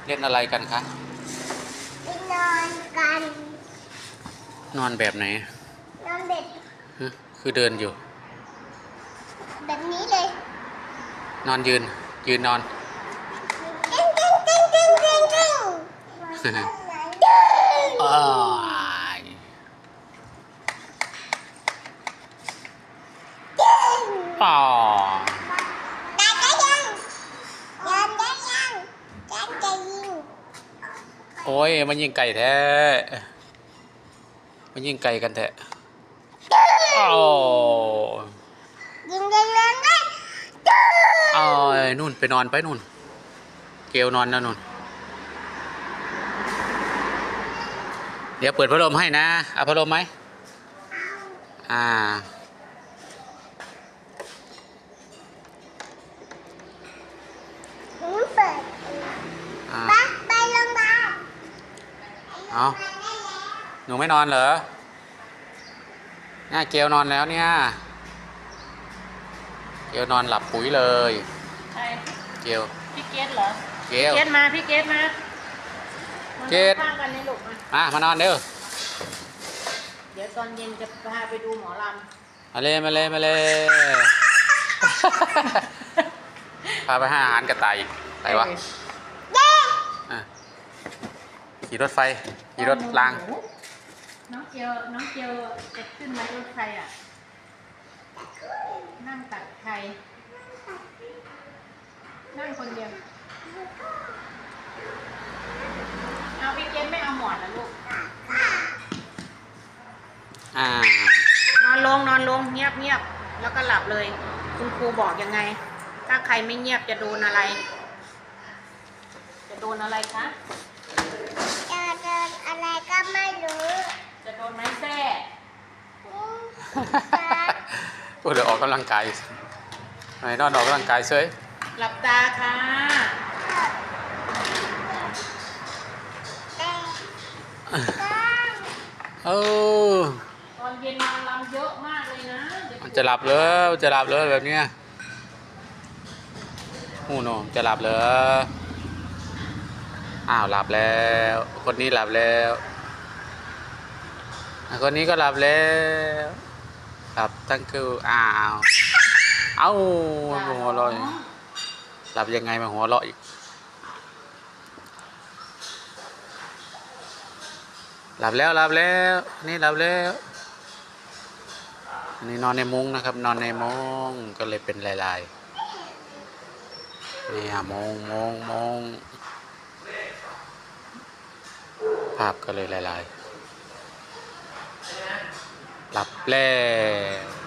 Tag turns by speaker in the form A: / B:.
A: เล่นอะไรกันคะ
B: ไปนอนกัน
A: นอนแบบไหน
B: นอนแบบ
A: คือเดินอยู่
B: แบบนี้เลย
A: นอนยืนนอน
B: ตึ้งตึ้งตึ้งตึ้งตึ้งตึ้ง
A: อ้ายป่อ
B: ได้ยังยันได้ยังยันจะยิง
A: โอ้ยมันยิงไก่แท้มันยิงไก่กันแท้โอ้
B: ยิงได้เลยไหม
A: อ้ยนู่นไปนอนไปนู่นเกลนอนแล้วนู่นเดี๋ยวเปิดพัดลมให้นะเอาพัดลมไหมอ่า
B: เปิดไปไปโรงพยาบาล
A: เอาหนูไม่นอนเหรอเนี่ยเกลนอนแล้วเนี่ยเกลนอนหลับปุ๋ยเลย
C: ใคร
A: เกล
C: พี่เกดเหรอ
A: เกล
C: พี่เกดมาพี่เกดมา
A: เกด
C: ข้างกันในหลุมม
A: านอนเด้อ
C: เดี๋ยวตอนเย็นจะพาไปดูหมอล
A: มาเลยพาไปให้อาหารกระต่ายอีก
C: ำ
A: อะไรวะอ่ะขี่รถไฟขี่รถราง
C: น้องเกียวจะขึ้นมารถไฟอ่ะนั่งตักไข่นั่งคนเดียวเอาพี่เกดไม่เอาหมอนนะลูกนอนลงเงียบแล้วก็หลับเลยคุณครูบอกยังไงถ้าใครไม่เงียบจะโดนอะไรคะ
B: จะโดนอะไรก็ไม่รู้
C: จะโดนไม้แส้
A: ก็เดี๋ยวออกกำลังกายไหนนอนออกกำลังกายเฉย
C: หลับตาค่ะ
A: เออ
C: ตอนเย็นนอนรำเยอะมากเลยนะ
A: มันจะหลับเลยแบบเนี้ยโอ้โหจะหลับเลยอ้าวหลับแล้วคนนี้หลับแล้วคนนี้ก็หลับแล้วหลับตั้งคืออ้าวเอ้าหัวเราะหลับยังไงมาหัวเราะอีกหลับแล้วนี่หลับแล้วอันนี้นอนในมุ้งนะครับนอนในมุ้งก็เลยเป็นลายๆนี่มุ้งภาพก็เลยลายๆหลับแล้ว